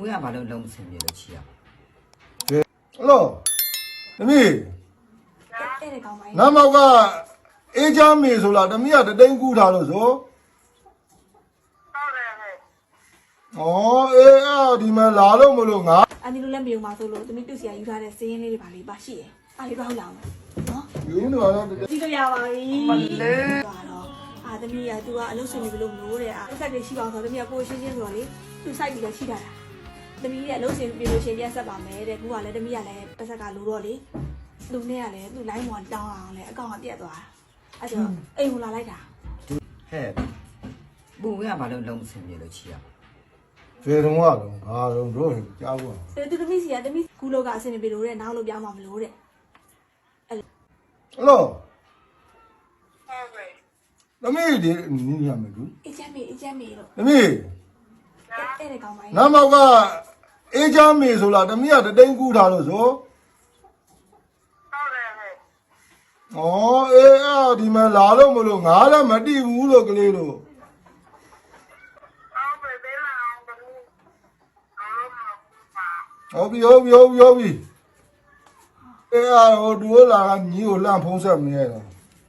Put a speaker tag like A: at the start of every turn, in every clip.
A: ရဘာလို့လုံးမစင်ပြေလို့ချီရ
B: ဟလောသမီး
C: တဲ့ကောင်မကြီး
B: နမောက်ကအေးချမ်းမေဆိုလားသမီးကတသိန်းကူးထားလို့ဆိုအေးဒီမှာလာလို့မလို့ငါ
C: အန်ဒီလိုလည်းမယုံပါဆိုလို့သမီးတူစီကယူထားတဲ့စင်းရင်းလေးတွေပါလေးပါရှိတယ်အားလေးတော့ဟုတ်လားနော်
B: ယူနေပါတော့
C: ကြည့်လို့ရပါပြီမလေးတော့သမီးကသူကအလုပ်ဆင်နေပြီလို့မလို့တဲ့အဲ့ဆက်တွေရှိပါအောင်ဆိုသမီးကကိုရှင်းရှင်းဆိုတော့လေသူစိုက်ပြီးတော့ရှိတာသမီးရဲ့အလုပ်ဆင်ပြေလို့ရှင်းပြဆက်ပါမယ်တဲ့ကူကလည်းသမီးကလည်းပတ်ဆက်ကလိုတော့လေလူနဲ့ကလည်းသူ line 1တောင်းအောင်လေအကောင့်ကပြတ်သွားတာအဲ့တော့အိမ်ကိုလာလိုက်တာ
A: ဟဲ့ပူရဘာလို့လုံးမစင်ပြေလို့ချီရ
B: ဖေတုံးကတော့ငါတော့တို့ကြားဘူး
C: သူသမီးစီကသမီးကူလောကအဆင်ပြေလို့တဲ့နောက်လို့ပြောင်းမှာမလို့တဲ့
B: ဟလောသမီးဒီနီးရမယ်သူ
C: အေးချမ်းမေလို့
B: သမီး
C: တဲ့ကောင်မကြီး
B: နမောက်ကအေးချမ်းမေဆိုလားသမီးကတသိန်းကူးထားလို့ဆိုအေးဒီမှာလာလို့မလို့ငါလည်းမတိဘူးလို့ကလေးလို့ဟုတ်ပြီအေးဟိုဒူလာကညီကိုလှမ်းဖုံးဆက်နေရတော့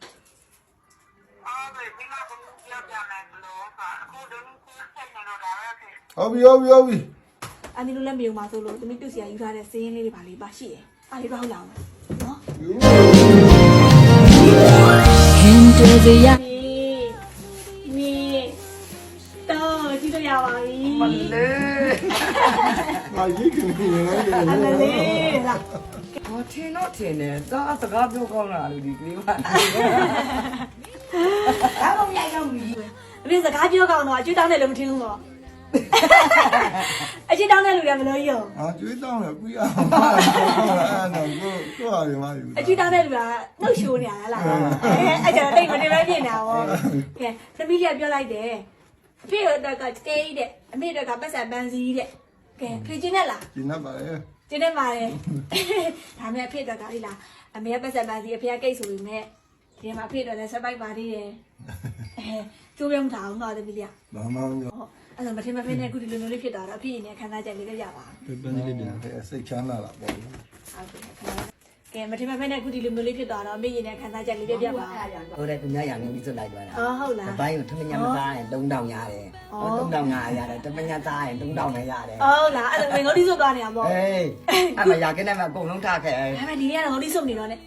B: ဟုတ်ပြီ
C: အန်ဒီလိုလည်းမယုံပါဆိုလို့သမီးတူစီကယူထားတဲ့စင်းရင်းလေးတွေပါလေးပါရှိတယ်အားလေးတော့ဟုတ်လားနော် Into the ya နီတော့ကြည့်လို့ရပါပြီမလေး
B: ငါရိတ်ကနေနေလိုက်တယ်
C: အမလေးလား
A: ဟောထင်တော့ထင်တယ်တော့စကားပြောကောင်းတာလို့ဒီကလေးကဘာမှမရိုက်တော့ဘူး
C: အမေစကားပြောကောင်းတော့အကျွေးတောင်းတယ်လို့မထင်ဘူးပေါ့အကျွေးတောင်းတဲ့လူတွေမလို့ရုံ
B: ကျွေးတောင်းတယ်ပြီးအောင်ပါအဲ့တော့ကိုရတယ်မယူ
C: အကျွေးတောင်းတဲ့လူကနှုတ်ရှိုးနေရလားအဲ့ကျတော့တိတ်မတင်ပဲပြင်နေတာပေါ့ကဲသမီးကပြောလိုက်တယ်အဖေတို့ကစကေးတဲ့အမေတို့ကပတ်စံပန်းစည်းတဲ့ကဲဖေချင်းနဲ့လား
B: ကျင်းနေပါလေ
C: ကျင်းနေပါတယ်ဒါမဲ့အဖေတို့ကလေလားအမေကပတ်စံပန်းစည်းအဖေကကိတ်ဆိုပေမဲ့ဒီမှာအဖေတို့လည်းဆက်ပိုက်ပါသေးတယ်ကျိုးပြုံးထားအောင်တော့သမီးလေး
B: ဘာမှမပြော
C: အဲ့တော့မထင်မဖေးနဲ့အခုဒီလိုမျိုးလေးဖြစ်သွားတော့အဖေရင်းနဲ့ခံစားချက်လေးလည်းရပါ
B: ပန်းလေးပြန်စိတ်ချမ်းသာလာပေါ့
C: ဟုတ်ကဲ့မထင်မဖေးနဲ့အခုဒီလိုမျိုးလေးဖြစ်သွားတော့အမေရင်းနဲ့ခံစားချက်လေးလည်းပြပါ
A: ဟုတ်တယ်သူများရံနေပြီးစွတ်လိုက်သွားတာ
C: ဟုတ်လား
A: အပိုင်းကိုထမညာမသားရင်3000ရတယ်ဟော3500ရတယ်တမညာသားရင်3000နဲ့ရတယ်
C: ဟုတ်လားအဲ့ဒါငွေငုတ်တိစုပ်သွားနေတာပေါ့
A: ဟေးအမရကင်းနဲ့မအကုန်လုံးထားခဲ့
C: ဒါပေမဲ့ဒီနေ့ကတော့ငုတ်တိစုပ်နေတော့ ਨੇ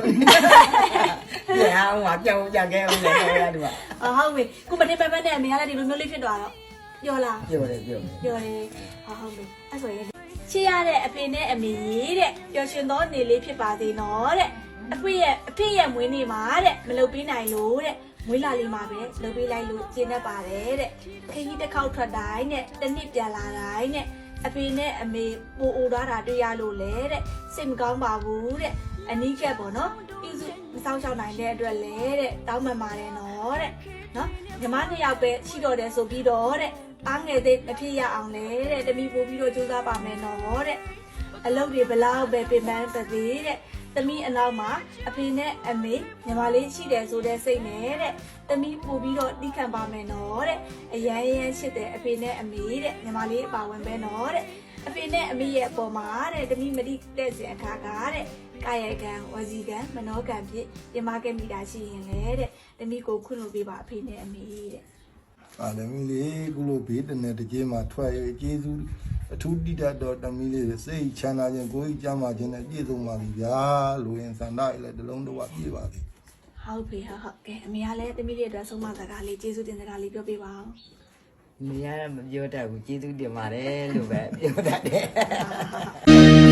A: ပြန်အောင်ပါပြောင်းပြန်ခဲ့အောင်လည်းရတယ်ကွာ
C: ဟုတ်ပြီခုမထင်မဖေးနဲ့အမေကလည်းဒီလိုမျိုးလေးဖြစ်သွားတော့ပြောလား
A: ပြောတယ်
C: ပြောတယ်ဟုတ်ပြီအဲ့ဆိုရင်ချစ်ရတဲ့အဖေနဲ့အမေတဲ့ပျော်ရွှင်သောနေလေးဖြစ်ပါစေနော်တဲ့အဖေရဲ့မွေးနေ့မှာတဲ့မလုပ်ပေးနိုင်လို့တဲ့မွေးလာလေးမှာပဲလုပ်ပေးလိုက်လို့ကျင်းတတ်ပါတယ်တဲ့ခကြီးတစ်ခေါက်ထွက်တိုင်းနဲ့တစ်နှစ်ပြန်လာတိုင်းနဲ့အဖေနဲ့အမေပိုအိုသွားတာတွေ့ရလို့လေတဲ့စိတ်မကောင်းပါဘူးတဲ့အနီးကပ်ပေါ့နော်ပြုစုမဆောင်ရှောက်နိုင်တဲ့အတွက်လေတဲ့တောင်းပန်ပါတယ်နော်တဲ့နော်ညီမနှစ်ယောက်ပဲရှိတော့တယ်ဆိုပြီးတော့တဲ့အားငယ်သေးမဖြစ်ရအောင်လေတဲ့တမီပို့ပြီးတော့ကြိုးစားပါမယ်နော်တဲ့အလုပ်တွေဘလောက်ပဲပြင်ပန်းပါသေးတဲ့တမီအနောက်မှာအဖေနဲ့အမေညီမလေးရှိတယ်ဆိုတဲ့စိတ်နဲ့တဲ့တမီပို့ပြီးတော့တိခံပါမယ်နော်တဲ့အရန်ရှိတဲ့အဖေနဲ့အမေတဲ့ညီမလေးအပါဝင်ပဲနော်တဲ့အဖေနဲ့အမေရဲ့အပေါ်မှာတဲ့တမီမတိတဲ့စင်အခါကတဲ့ကာယကံဝစီကံမနောကံဖြစ်ပြင်မခဲ့မိတာရှိရင်လေတဲ့တမီကိုခွင့်လို့ပေးပါအဖေနဲ့အမေတဲ့
B: အာလည်းမီလေးကုလို့ဘေးတနေတကြီးမှာထွက်ရကျေးဇူးအထူးတိတတ်တော်တမီလေးစိတ်ချမ်းသာခြင်းကိုယ်ကြီးကျမ်းမာခြင်းနဲ့ပြည့်စုံပါပြီဗျာလူရင်စန္ဒရလည်းတလုံးတော့ပြည့်ပါပြီ
C: ဟုတ်ပြီဟုတ်ကဲ့အမေကလည်းတမီးတွေအတွက်ဆုံးမစကားလေးကျေးဇူးတင်စကားလေးပြောပြပါအောင်
A: နေရမပြောတတ်ဘူးကျေးဇူးတင်ပါတယ်လို့ပဲပြောတတ်တယ်